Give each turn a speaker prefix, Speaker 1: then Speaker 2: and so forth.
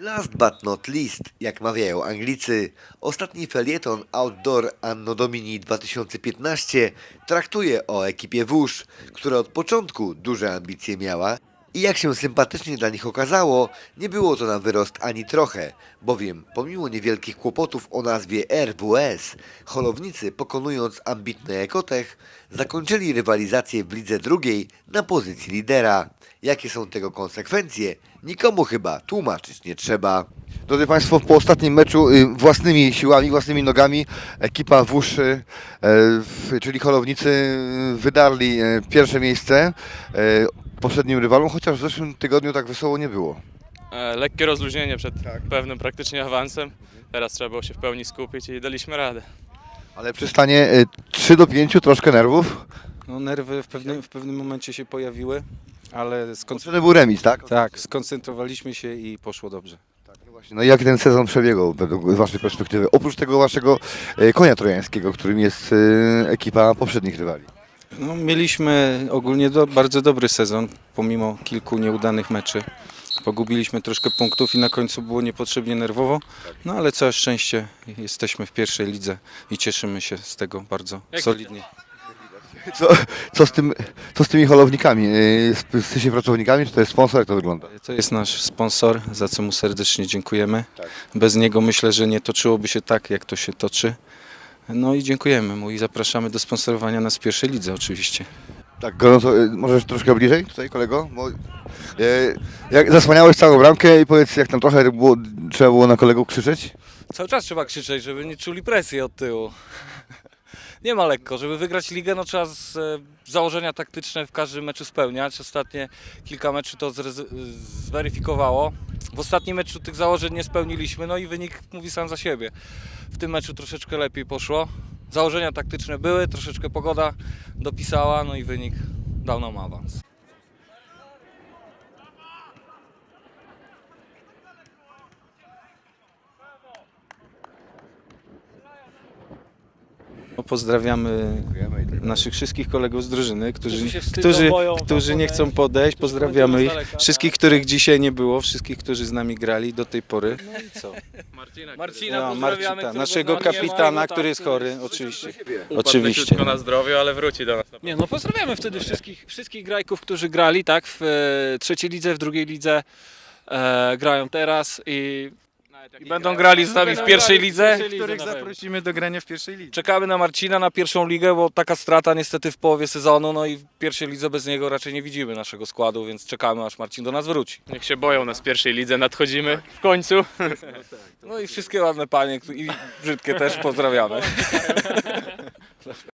Speaker 1: Last but not least, jak mawiają Anglicy, ostatni felieton Outdoor Anno Domini 2015 traktuje o ekipie wóż, która od początku duże ambicje miała i jak się sympatycznie dla nich okazało, nie było to na wyrost ani trochę, bowiem pomimo niewielkich kłopotów o nazwie RWS, holownicy pokonując ambitny Ekotech, zakończyli rywalizację w lidze drugiej na pozycji lidera. Jakie są tego konsekwencje? Nikomu chyba tłumaczyć nie trzeba.
Speaker 2: Drodzy Państwo, po ostatnim meczu własnymi siłami, własnymi nogami ekipa wóż, czyli holownicy, wydarli pierwsze miejsce poprzednim rywalom, chociaż w zeszłym tygodniu tak wesoło nie było.
Speaker 3: Lekkie rozluźnienie przed pewnym praktycznie awansem. Teraz trzeba było się w pełni skupić i daliśmy radę.
Speaker 2: Ale przy stanie 3-5 troszkę nerwów.
Speaker 4: No, nerwy w pewnym momencie się pojawiły, ale
Speaker 2: Potrzebny był remis, tak?
Speaker 4: tak, skoncentrowaliśmy się i poszło dobrze.
Speaker 2: No i jak ten sezon przebiegał według Waszej perspektywy? Oprócz tego Waszego konia trojańskiego, którym jest ekipa poprzednich rywali.
Speaker 4: No, mieliśmy ogólnie bardzo dobry sezon, pomimo kilku nieudanych meczy. Pogubiliśmy troszkę punktów i na końcu było niepotrzebnie nerwowo, no ale całe szczęście jesteśmy w pierwszej lidze i cieszymy się z tego bardzo solidnie.
Speaker 2: Co z tymi holownikami? Jesteście pracownikami, czy to jest sponsor? Jak to wygląda?
Speaker 4: To jest nasz sponsor, za co mu serdecznie dziękujemy. Bez niego myślę, że nie toczyłoby się tak, jak to się toczy. No i dziękujemy mu i zapraszamy do sponsorowania nas w pierwszej lidze oczywiście.
Speaker 2: Tak, gorąco, możesz troszkę bliżej tutaj, kolego? Bo, jak zasłaniałeś całą bramkę i powiedz, jak tam trochę było, trzeba było na kolegów krzyczeć?
Speaker 3: Cały czas trzeba krzyczeć, żeby nie czuli presji od tyłu. Nie ma lekko. Żeby wygrać ligę, no trzeba założenia taktyczne w każdym meczu spełniać. Ostatnie kilka meczów to zweryfikowało. W ostatnim meczu tych założeń nie spełniliśmy, no i wynik mówi sam za siebie. W tym meczu troszeczkę lepiej poszło. Założenia taktyczne były, troszeczkę pogoda dopisała, no i wynik dał nam awans.
Speaker 4: No, pozdrawiamy naszych wszystkich kolegów z drużyny,
Speaker 3: Którzy się wstydzą, boją
Speaker 4: którzy nie chcą
Speaker 3: podejść,
Speaker 4: podejść.
Speaker 3: którzy
Speaker 4: Pozdrawiamy
Speaker 3: bądź
Speaker 4: ich.
Speaker 3: z daleka,
Speaker 4: Wszystkich,
Speaker 3: tak.
Speaker 4: których dzisiaj nie było, wszystkich, którzy z nami grali do tej pory. No i co?
Speaker 3: Marcina
Speaker 4: No,
Speaker 3: pozdrawiamy, którego
Speaker 4: naszego
Speaker 3: z nami nie ma,
Speaker 4: kapitana,
Speaker 3: tak,
Speaker 4: który jest chory, oczywiście.
Speaker 3: Upadł
Speaker 4: Oczywiście.
Speaker 3: leciutko na zdrowiu, ale wróci do nas.
Speaker 5: Nie, no pozdrawiamy wtedy wszystkich grajków, którzy grali, tak, w trzeciej lidze, w drugiej lidze, grają teraz i
Speaker 3: Będą grali z nami w pierwszej lidze.
Speaker 4: Których zaprosimy do grania w pierwszej lidze.
Speaker 3: Czekamy na Marcina na pierwszą ligę, bo taka strata niestety w połowie sezonu, no i w pierwszej lidze bez niego raczej nie widzimy naszego składu, więc czekamy aż Marcin do nas wróci.
Speaker 5: niech się boją nas w pierwszej lidze, nadchodzimy w końcu.
Speaker 3: No i wszystkie ładne panie i brzydkie też pozdrawiamy.